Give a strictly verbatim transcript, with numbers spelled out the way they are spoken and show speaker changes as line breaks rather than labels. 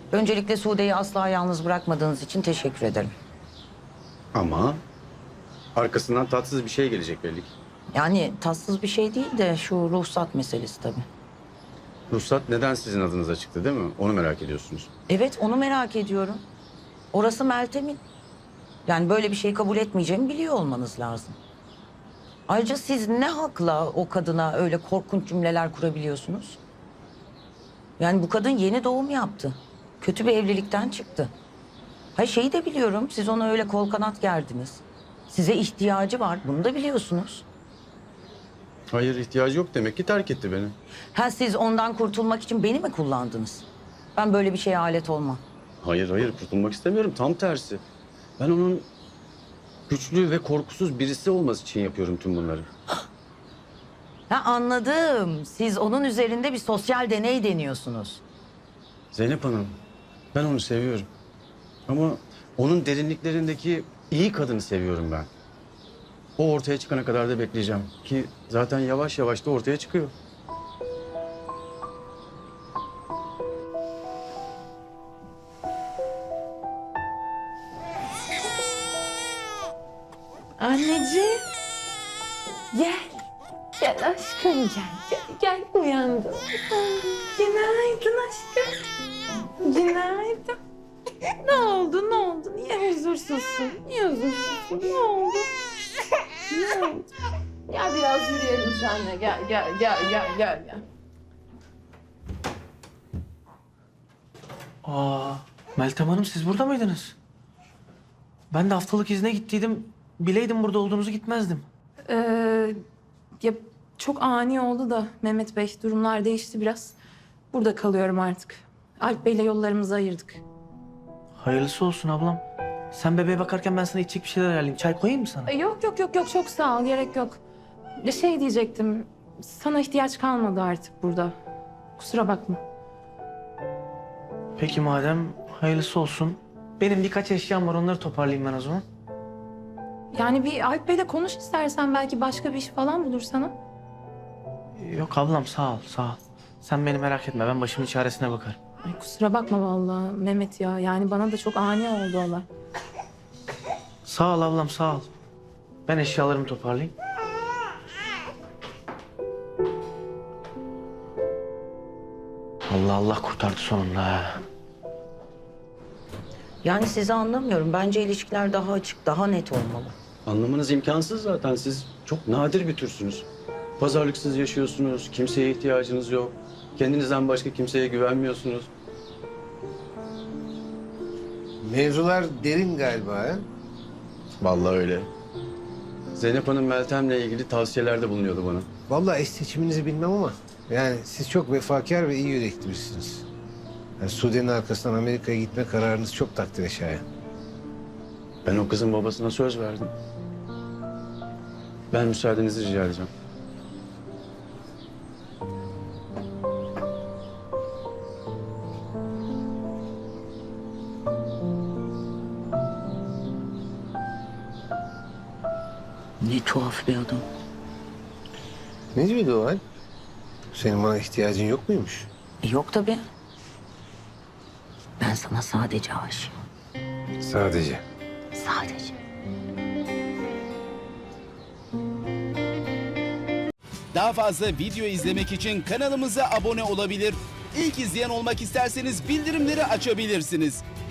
Öncelikle Sude'yi asla yalnız bırakmadığınız için teşekkür ederim.
Ama arkasından tatsız bir şey gelecek belli ki.
Yani tatsız bir şey değil de şu ruhsat meselesi tabii.
Ruhsat neden sizin adınıza çıktı değil mi? Onu merak ediyorsunuz.
Evet, onu merak ediyorum. Orası Meltem'in. Yani böyle bir şey kabul etmeyeceğimi biliyor olmanız lazım. Ayrıca siz ne hakla o kadına öyle korkunç cümleler kurabiliyorsunuz? Yani bu kadın yeni doğum yaptı. Kötü bir evlilikten çıktı. Hayır, şeyi de biliyorum, siz ona öyle kol kanat gerdiniz. Size ihtiyacı var, bunu da biliyorsunuz.
Hayır, ihtiyacı yok demek ki terk etti beni.
Ha, siz ondan kurtulmak için beni mi kullandınız? Ben böyle bir şeye alet olmam.
Hayır hayır, kurtulmak istemiyorum, tam tersi. Ben onun güçlü ve korkusuz birisi olması için yapıyorum tüm bunları.
Ha, anladım. Siz onun üzerinde bir sosyal deney deniyorsunuz.
Zeynep Hanım, ben onu seviyorum. Ama onun derinliklerindeki iyi kadını seviyorum ben. O ortaya çıkana kadar da bekleyeceğim. Ki zaten yavaş yavaş da ortaya çıkıyor.
Anneciğim. Gel. Gel aşkım gel. Gel, gel uyandım. Günaydın aşkım. Günaydın. Ne oldu ne oldu? Niye huzursuzsun? Niye huzursuzsun? Ne oldu? Ne oldu? Gel biraz yürüyelim seninle. Gel gel gel gel gel gel.
Aa, Meltem Hanım siz burada mıydınız? Ben de haftalık izne gittiydim. Bileydim burada olduğunuzu gitmezdim.
Ee, ya çok ani oldu da Mehmet Bey, durumlar değişti biraz. Burada kalıyorum artık. Alp Bey'le yollarımızı ayırdık.
Hayırlısı olsun ablam. Sen bebeğe bakarken ben sana içecek bir şeyler ayarlayayım. Çay koyayım mı sana?
Ee, Yok yok yok yok çok sağ ol, gerek yok. Ya şey diyecektim, sana ihtiyaç kalmadı artık burada. Kusura bakma.
Peki madem hayırlısı olsun. Benim birkaç eşyam var, onları toparlayayım ben o zaman.
Yani bir Alp Bey'le konuş istersen, belki başka bir iş falan bulur sana.
Yok ablam, sağ ol sağ ol. Sen beni merak etme, ben başımın çaresine bakarım.
Ay kusura bakma vallahi Mehmet ya. Yani bana da çok ani oldu olay.
Sağ ol ablam, sağ ol. Ben eşyalarımı toparlayayım. Allah Allah, kurtardı sonunda ha.
Yani sizi anlamıyorum. Bence ilişkiler daha açık, daha net olmalı.
Anlamanız imkansız zaten. Siz çok nadir bir türsünüz. Pazarlıksız yaşıyorsunuz, kimseye ihtiyacınız yok. Kendinizden başka kimseye güvenmiyorsunuz.
Mevzular derin galiba ha?
Vallahi öyle. Zeynep Hanım Meltem'le ilgili tavsiyelerde bulunuyordu bana.
Vallahi eş seçiminizi bilmem ama yani siz çok vefakar ve iyi yürekli birisiniz. Yani Sude'nin arkasından Amerika'ya gitme kararınız çok takdire şayan.
Ben o kızın babasına söz verdim. Ben müsaadenizi rica edeceğim.
Ne tuhaf bir adam.
Ne diyordu o hal? Senin bana ihtiyacın yok muymuş?
E, yok tabii. Ben sana sadece aşığım.
Sadece.
Sadece.
Daha fazla video izlemek için kanalımıza abone olabilir. İlk izleyen olmak isterseniz bildirimleri açabilirsiniz.